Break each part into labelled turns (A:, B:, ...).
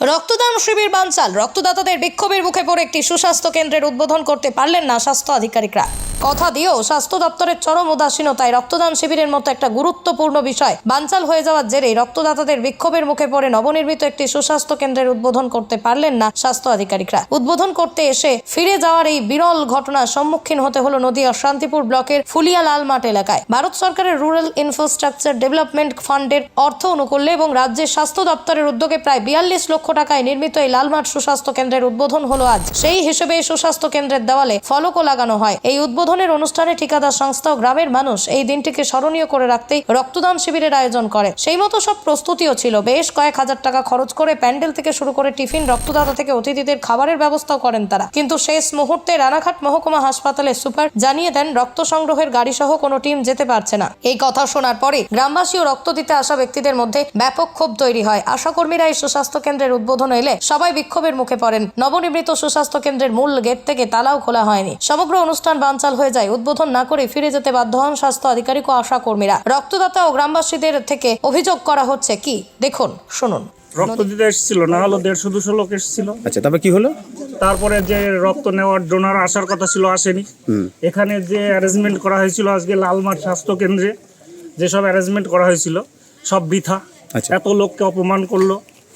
A: রক্তদান শিবির বানচাল। রক্তদাতাদের বিক্ষোভের মুখে পড়ে একটি সুস্বাস্থ্য কেন্দ্রের উদ্বোধন করতে পারলেন না স্বাস্থ্য আধিকারিকরা। কথা দিয়েও স্বাস্থ্য দপ্তরের চরম উদাসীনতায় রক্তদান শিবিরের মতো একটা গুরুত্বপূর্ণ বিষয় বানচাল হয়ে যাওয়ার জেরেই রক্তদাতাদের বিক্ষোভের মুখে পড়ে নবনির্মিত একটি সুস্বাস্থ্য কেন্দ্রের উদ্বোধন করতে পারলেন না স্বাস্থ্য আধিকারিকরা। উদ্বোধন করতে এসে ফিরে যাওয়ার এই বিরল ঘটনার সম্মুখীন হতে হলো নদিয়ার শান্তিপুর ব্লকের ফুলিয়া লালমাট এলাকায়। ভারত সরকারের রুরাল ইনফ্রাস্ট্রাকচার ডেভেলপমেন্ট ফান্ডের অর্থ অনুকূল্যে এবং রাজ্যের স্বাস্থ্য দপ্তরের উদ্যোগে প্রায় 42 লক্ষ টাকায় নির্মিত এই লালমাট সুস্বাস্থ্য কেন্দ্রের উদ্বোধন হলো আজ। সেই হিসেবে সুস্বাস্থ্য কেন্দ্রের দেওয়ালে ফলকও লাগানো হয়। এই উদ্বোধনের অনুষ্ঠানে ঠিকাদার সংস্থা ও গ্রামের মানুষ এই দিনটিকে স্মরণীয় করে রাখতেই রক্তদান শিবিরের আয়োজন করে। সেই মতো সব প্রস্তুতিও ছিল। বেশ কয়েক হাজার টাকা খরচ করে প্যান্ডেল থেকে শুরু করে টিফিন, রক্তদাতা থেকে অতিথিদের খাবারের ব্যবস্থাও করেন তারা। কিন্তু শেষ মুহূর্তে রানাঘাট মহকুমা হাসপাতালের সুপার জানিয়ে দেন রক্ত সংগ্রহের গাড়ি সহ কোনো টিম যেতে পারছে না। এই কথা শোনার পরে গ্রামবাসী ও রক্ত দিতে আসা ব্যক্তিদের মধ্যে ব্যাপক ক্ষোভ তৈরি হয়। আশাকর্মীরা এই সুস্বাস্থ্য কেন্দ্রের উদ্বোধন এলে সবাই বিক্ষোভের মুখে পড়েন। নবনির্মিত সুস্বাস্থ্য কেন্দ্রের মূল গেট থেকে তালাও খোলা হয়নি। সমগ্র অনুষ্ঠান বানচাল হয়ে যায়। উদ্বোধন না করে ফিরে যেতে বাধ্য হন স্বাস্থ্য আধিকারিক ও আশাকর্মীরা। রক্তদাতা ও গ্রামবাসীদের থেকে অভিযোগ করা হচ্ছে কি দেখুন, শুনুন।
B: রক্ত দিতে এসেছিল, না হলো 150-200 লোক এসেছিল।
C: আচ্ছা, তারপর কি হলো?
B: তারপরে যে রক্ত নেওয়ার ডোনার আসার কথা ছিল আসেনি। এখানে যে অ্যারেঞ্জমেন্ট করা হয়েছিল আজকে লালমাট স্বাস্থ্য কেন্দ্রে, যেসব অ্যারেঞ্জমেন্ট করা হয়েছিল সব বৃথা।
C: আচ্ছা,
B: এত লোককে অপমান করলো।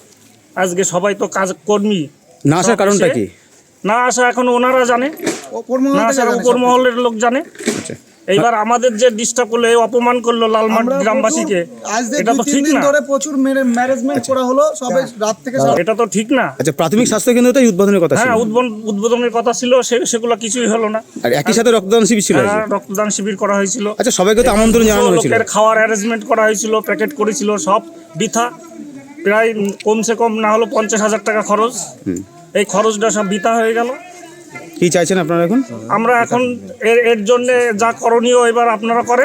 B: আজকে সবাই তো কাজ কর্মী,
C: না আসার কারণটা কি?
B: না আসা এখন ওনারা জানে, না আসার উপর মহলের লোক জানে।
C: আচ্ছা,
B: এইবার আমাদের যে ডিস্টার্ব করলো, অপমান করলো লালমাট গ্রামবাসীকে, এটা তো ঠিক না।
D: প্রচুর ম্যানেজমেন্ট করা হলো সবাই রাত থেকে।
B: এটা তো ঠিক না।
C: আচ্ছা, প্রাথমিক স্বাস্থ্য কেন্দ্রটাই উদ্বোধনের কথা ছিল।
B: হ্যাঁ, উদ্বোধনের কথা ছিল, সেগুলো কিছুই হলো না।
C: আর একই সাথে রক্তদান শিবির ছিল।
B: রক্তদান শিবির করা হয়েছিল।
C: আচ্ছা, সবাইকে তো আমন্ত্রণ জানানো হয়েছিল।
B: লোকের খাওয়ার অ্যারেঞ্জমেন্ট করা হয়েছিল, প্যাকেট করেছিল, সব বৃথা। প্রায় কমসে কম না হলো 50,000 টাকা খরচ। এই খরচটা সব বৃথা হয়ে গেল।
C: কি চাইছেন আপনারা এখন?
B: আমরা এখন এর জন্য যা করণীয় এবার আপনারা করেন।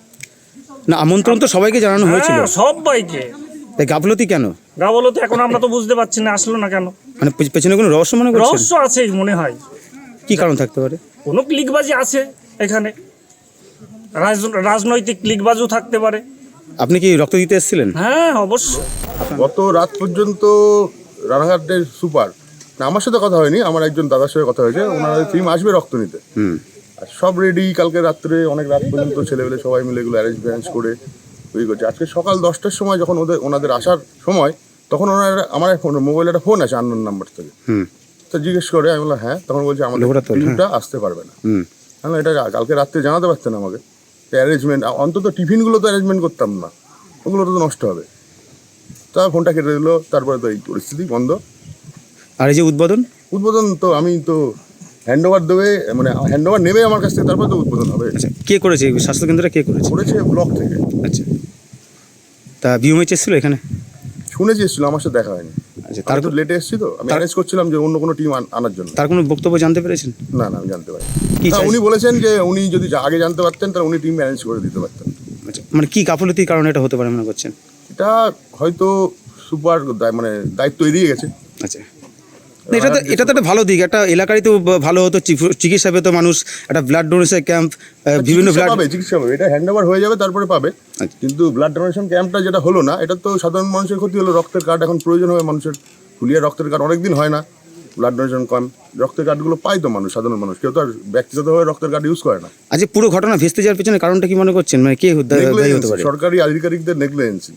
C: না, আমন্ত্রণ তো সবাইকে জানানো হয়েছিল।
B: সবাইকে।
C: এই গাফলতি কেন?
B: গাফলতি এখন আমরা তো বুঝতে পারছি না, আসলো না কেন।
C: মানে পেছনে কোনো রহস্য মনে করছেন?
B: রহস্য আছে মনে হয়।
C: কি কারণ থাকতে পারে?
B: কোনো ক্লিকবাজি আছে এখানে, রাজনৈতিক ক্লিকবাজিও থাকতে পারে।
C: আপনি কি রক্ত দিতে এসেছিলেন?
B: হ্যাঁ, অবশ্যই।
E: গত রাত পর্যন্ত রানাঘাটের সুপার, না আমার সাথে কথা হয়নি, আমার একজন দাদার সাথে কথা হয়েছে। ওনারা টিম আসবে রক্ত নিতে, আর সব রেডি। কালকে রাত্রে অনেক রাত পর্যন্ত ছেলেবেলে সবাই মিলে এগুলো অ্যারেঞ্জ করে তৈরি করছে। আজকে সকাল 10টার সময় যখন ওনাদের আসার সময়, তখন ওনারা আমার মোবাইলে একটা ফোন আছে আননোন নাম্বার থেকে। তো জিজ্ঞেস করে, আমি বললাম হ্যাঁ। তখন বলছে আমাদের টিমটা আসতে পারবে না। আমি এটা কালকে রাত্রে জানাতে পারতেন আমাকে। অ্যারেঞ্জমেন্ট অন্তত টিফিনগুলো তো অ্যারেঞ্জমেন্ট করতাম না, ওগুলো তো নষ্ট হবে। তা ফোনটা কেটে দিল। তারপরে তো এই পরিস্থিতি বন্ধ।
C: আর এই যে উদ্বোধন
E: তো আমি তো হ্যান্ড ওভার দেবে, মানে হ্যান্ড ওভার নেবে আমার কাছ থেকে, তারপরে তো উদ্বোধন হবে।
C: আচ্ছা, কে করেছে স্বাস্থ্য কেন্দ্রটা? কে করেছে?
E: ব্লক থেকে।
C: আচ্ছা, তা বিএমএইচ এসেছিল এখানে?
E: শুনেছি এসেছিল, আমার সাথে দেখা হয়নি। আচ্ছা, তার তো লেটে এসেছি, তো আমি অ্যারেঞ্জ করছিলাম যে অন্য কোনো টিম আনার জন্য।
C: তার কোনো বক্তব্য জানতে পেরেছেন?
E: না, আমি জানতে পারিনি। উনি বলেছেন যে উনি যদি আগে জানতে পারতেন তাহলে উনি টিম অ্যারেঞ্জ করে দিতে পারতেন।
C: আচ্ছা, মানে কি গাফলতির কারণে এটা হতে পারে মনে করছেন?
E: এটা হয়তো সুপার মানে দায়িত্ব এড়িয়ে গেছে।
C: আচ্ছা, এটা তো একটা ভালো দিক। একটা এলাকারই তো ভালো হতো, চিকিৎসা পেতো মানুষ, একটা ব্লাড ডোনেশন ক্যাম্প, বিভিন্ন
E: চিকিৎসা পাবে। এটা হ্যান্ড ওভার হয়ে যাবে, তারপরে পাবে। কিন্তু ব্লাড ডোনেশন ক্যাম্পটা যেটা হলো না, এটা তো সাধারণ মানুষের ক্ষতি হলো। রক্তের কার্ড এখন প্রয়োজন হবে মানুষের। ফুলিয়া রক্তের কার্ড অনেকদিন হয় না। ব্লাড ডোনেশন ক্যাম্প, রক্তের কার্ডগুলো পায় তো মানুষ, সাধারণ মানুষ। কেউ তো আর ব্যক্তিগতভাবে রক্তের কার্ড ইউজ করে না।
C: আচ্ছা, পুরো ঘটনা ভেস্তে যাওয়ার পেছনে কারণটা কি মনে করছেন? মানে কে দায়ী হতে পারে?
E: সরকারি আধিকারিকদের নেগলিজেন্সি।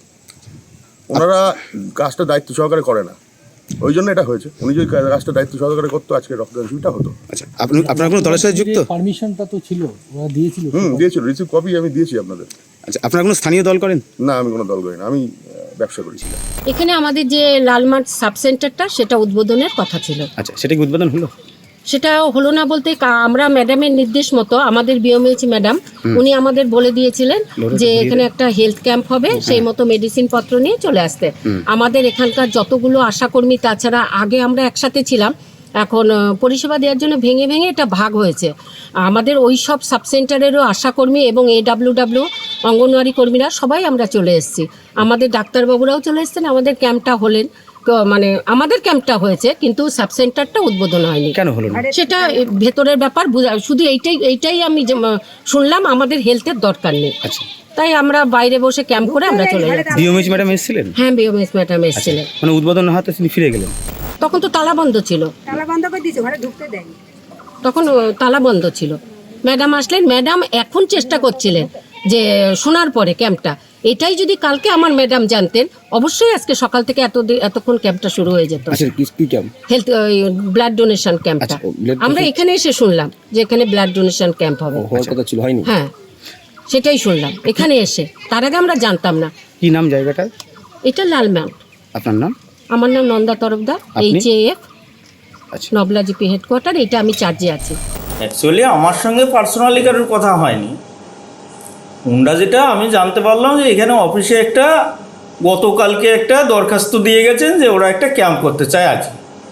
E: ওনারা কাজটা দায়িত্ব সহকারে করে না, ওই জন্য এটা হয়েছে। উনি যদি কাজটা দায়িত্ব সহকারে করতো, আজকে রক্তদান শিবিরটা হতো।
C: আচ্ছা, আপনার কোনো দলের সাথে যুক্ত?
D: পারমিশনটা তো ছিল, ওরা দিয়েছিল।
E: দিয়েছিল, রিসিভ কপি আমি দিয়েছি আপনাদের।
C: আচ্ছা, আপনার কোনো স্থানীয় দল করেন?
E: না, আমি কোনো দল করি না, আমি ব্যবসা করেছিলাম।
F: এখানে আমাদের যে লালমাট সাব সেন্টারটা, সেটা উদ্বোধনের কথা ছিল।
C: আচ্ছা, সেটা কি উদ্বোধন হলো?
F: সেটা হলো না বলতে, আমরা ম্যাডামের নির্দেশ মতো, আমাদের বিএমএইচ ম্যাডাম উনি আমাদের বলে দিয়েছিলেন যে এখানে একটা হেলথ ক্যাম্প হবে, সেই মতো মেডিসিন পত্র নিয়ে চলে আসতে। আমাদের এখানকার যতগুলো আশাকর্মী, তাছাড়া আগে আমরা একসাথে ছিলাম, এখন পরিষেবা দেওয়ার জন্য ভেঙে ভেঙে এটা ভাগ হয়েছে। আমাদের ওই সব সাবসেন্টারেরও আশাকর্মী এবং AWW অঙ্গনওয়াড়ি কর্মীরা সবাই আমরা চলে এসেছি। আমাদের ডাক্তারবাবুরাও চলে এসেছেন। আমাদের ক্যাম্পটা হলেন, মানে আমাদের ক্যাম্পটা হয়েছে, কিন্তু সাব সেন্টারটা উদ্বোধন হয়নি।
C: কেন হলো না?
F: সেটা ভেতরের ব্যাপার। শুধু এইটাই আমি শুনলাম, আমাদের হেলথের দরকার নেই।
C: আচ্ছা,
F: তাই আমরা বাইরে বসে ক্যাম্প করে আমরা চলে যাই।
C: বিওমিজ ম্যাডাম এসেছিলেন?
F: হ্যাঁ, বিওমিস ম্যাডাম এসেছিলেন।
C: মানে উদ্বোধন না হতে তিনি ফিরে গেলেন?
F: তখন তো তালা বন্ধ ছিল,
G: তালা বন্ধ করে দিয়েছে, ঘরে ঢুকতে দেয়নি।
F: তখন তালা বন্ধ ছিল। ম্যাডাম আসলেন, ম্যাডাম এখন চেষ্টা করছিলেন যে শোনার পরে ক্যাম্পটা, এটাই যদি কালকে আমার ম্যাডাম জানতেন অবশ্যই আজকে সকাল থেকে এতক্ষণ ক্যাম্পটা শুরু হয়ে যেত।
C: আচ্ছা, কি ক্যাম্প?
F: হেলথ ব্লাড ডোনেশন ক্যাম্পটা
C: আচ্ছা, blood
F: আমরা এখানে এসে শুনলাম যে এখানে ব্লাড ডোনেশন ক্যাম্প হবে।
C: হওয়ার কথা ছিল, হয়নি?
F: হ্যাঁ, সেটাই শুনলাম এখানে এসে, তার আগে আমরা জানতাম না।
C: কি নাম জায়গাটা?
F: এটা লাল মাউন্ট।
C: আপনার নাম?
F: আমার নাম নন্দা তরফদার,
C: আপনি?
F: HAF
C: আচ্ছা।
F: নবলা জিপি হেডকোয়ার্টার। এটা আমি চার্জে আছি।
H: অ্যাকচুয়ালি আমার সঙ্গে পার্সোনালি কারোর কথা হয়নি। উন্ডা যেটা আমি জানতে পারলাম যে এখানে অফিসে গতকালকে একটা দরখাস্ত দিয়ে গেছেন যে ওরা একটা ক্যাম্প করতে চায় আজ।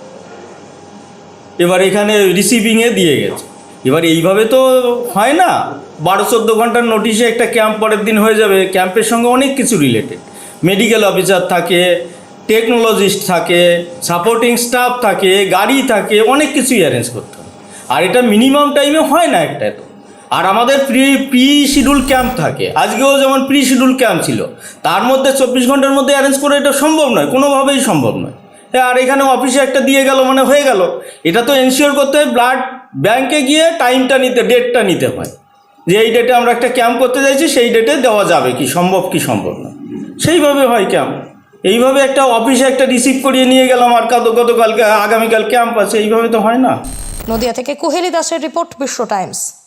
H: এবার এখানে রিসিভিংয়ে দিয়ে গেছে। এবার এইভাবে তো হয় না, 12-14 ঘন্টার নোটিশে একটা ক্যাম্প পরের দিন হয়ে যাবে। ক্যাম্পের সঙ্গে অনেক কিছু রিলেটেড, মেডিকেল অফিসার থাকে, টেকনোলজিস্ট থাকে, সাপোর্টিং স্টাফ থাকে, গাড়ি থাকে, অনেক কিছুই অ্যারেঞ্জ করতে হয়। আর এটা মিনিমাম টাইমে হয় না একটা তো। আর আমাদের প্রি শিডিউল ক্যাম্প থাকে, আজকেও যেমন প্রি শিডিউল ক্যাম্প ছিল, তার মধ্যে 24 ঘন্টার মধ্যে অ্যারেঞ্জ করে এটা সম্ভব নয়, কোনোভাবেই সম্ভব নয়। আর এখানে অফিসে একটা দিয়ে গেল মানে হয়ে গেল। এটা তো এনশিওর করতে হয় ব্লাড ব্যাংকে গিয়ে টাইমটা ডেটটা নিতে হয়, যে এই ডেটে আমরা একটা ক্যাম্প করতে চাইছি, সেই ডেটে দেওয়া যাবে কি সম্ভব না, সেইভাবে হয় ক্যাম্প। এইভাবে একটা অফিসে একটা রিসিভ করিয়ে নিয়ে গেলাম আর গতকালকে আগামীকাল ক্যাম্প আছে, এইভাবে তো হয় না।
A: নদিয়া থেকে কুহেলি দাসের রিপোর্ট, বিশ্ব টাইমস।